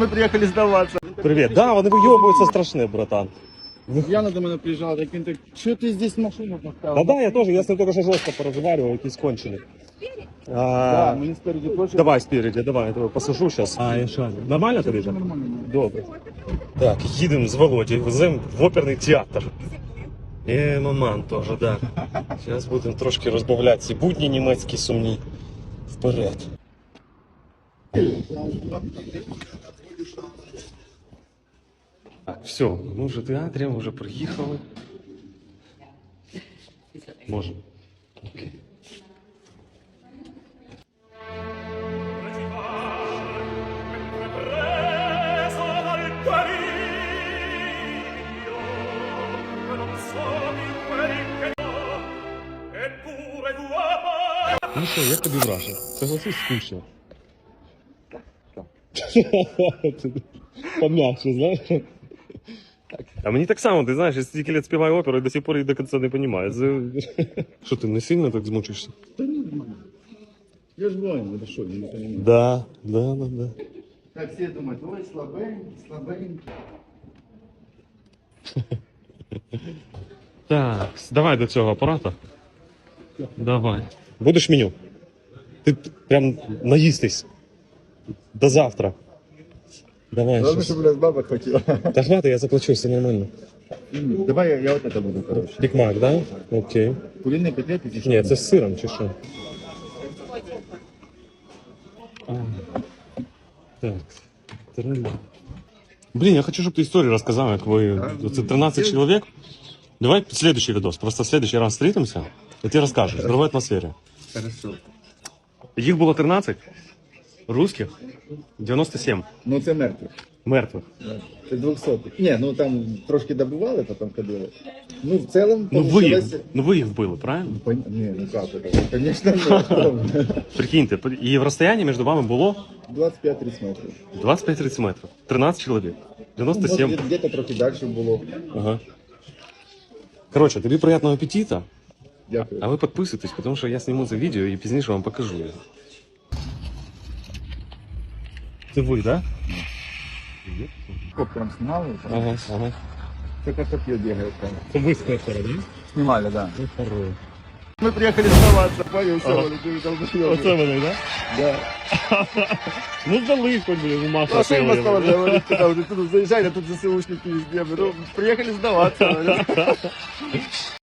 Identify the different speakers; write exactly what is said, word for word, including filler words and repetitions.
Speaker 1: Мы приехали сдаваться.
Speaker 2: Привет. Да, вони вийобуються страшне, братан.
Speaker 1: Яна до мене приїжджала, так він так, що ти здесь машину поставив?
Speaker 2: Да, да, я тоже, я с ним только что жестко поразговаривал, якісь кончені.
Speaker 1: Да,
Speaker 2: А,
Speaker 1: мені спереді теж.
Speaker 2: давай спереди, давай, я тебе посажу сейчас. А, я шарю. Нормально тобі?
Speaker 1: Все нормально.
Speaker 2: Добре. Так, їдемо з Володією, веземо в оперний театр. І маман теж, да. Зараз будемо трошки розбавляти ці будні німецькі сумні. Вперед. Так, все, ми вже в театрі, ми вже приїхали. Можемо. Окей. Ну що, як тобі враження? Согласись, скучно. Пом'якше, знаєш? А мені так само, ти знаєш, я стільки лет співаю оперу і до сих пор її до кінця не розумію. Що ти не сильно так змучишся?
Speaker 1: Та ні, нормально. Я ж воїн, это що, я не розумію.
Speaker 2: Да, да, да, да.
Speaker 1: Так всі думають, ой, слабенький, слабенький.
Speaker 2: Так, давай до цього апарата. Давай. Будеш меню? Ти прям наїстись. До завтра. Давай.
Speaker 1: Главное,
Speaker 2: щас.
Speaker 1: щоб, блядь, баба хотіла.
Speaker 2: Та хватит, я заплачу, все нормально.
Speaker 1: Давай я, я вот это буду, короче.
Speaker 2: Бікмак, да? Окей.
Speaker 1: Куриные котлеты, чи що?
Speaker 2: Ні, це з сиром чи що? А, так. Тролля. Блин, я хочу, чтобы ты историю рассказал, как вы... Это тринадцать человек. Давай следующий видос. Просто в следующий раз встретимся, и ты расскажешь. В другой атмосфере.
Speaker 1: Хорошо.
Speaker 2: Их было тринадцать. Русских. девяносто семь.
Speaker 1: Ну це мертвих.
Speaker 2: Мертвых.
Speaker 1: Це двохсотих. Ні, ну там трошки добивали, потім ходили. Ну в цілому...
Speaker 2: Ну вы, их,
Speaker 1: получилось-
Speaker 2: ну вы их было, правильно?
Speaker 1: Пон- Не, ну как это? Конечно, нет.
Speaker 2: Прикиньте, и в расстоянии между вами было
Speaker 1: двадцять п'ять тридцять метрів.
Speaker 2: двадцать пять тридцать метров. тринадцать человек. девяносто семь.
Speaker 1: Ну, где-то трохи далі було.
Speaker 2: Ага. Короче, тобі приятного аппетита.
Speaker 1: Дякую.
Speaker 2: А ви підписуйтесь, тому що я зніму це відео і пізніше вам покажу його. Це ви, так? Да?
Speaker 1: Коптером снимали.
Speaker 2: Ага, ага.
Speaker 1: Це как копье бегает там.
Speaker 2: Це ви з Костера, да?
Speaker 1: Снимали, да.
Speaker 2: Ну, хорош.
Speaker 1: Мы приехали сдаваться, понял, все,
Speaker 2: Ага.
Speaker 1: Валя, ты долбоёб.
Speaker 2: Оце вони, так?
Speaker 1: Да.
Speaker 2: Ну, здали хоч, блін, маша.
Speaker 1: А что им осталось говорить, когда уже тут заезжали, а тут ЗСУшники везде. Ну, приехали сдаваться. Валя.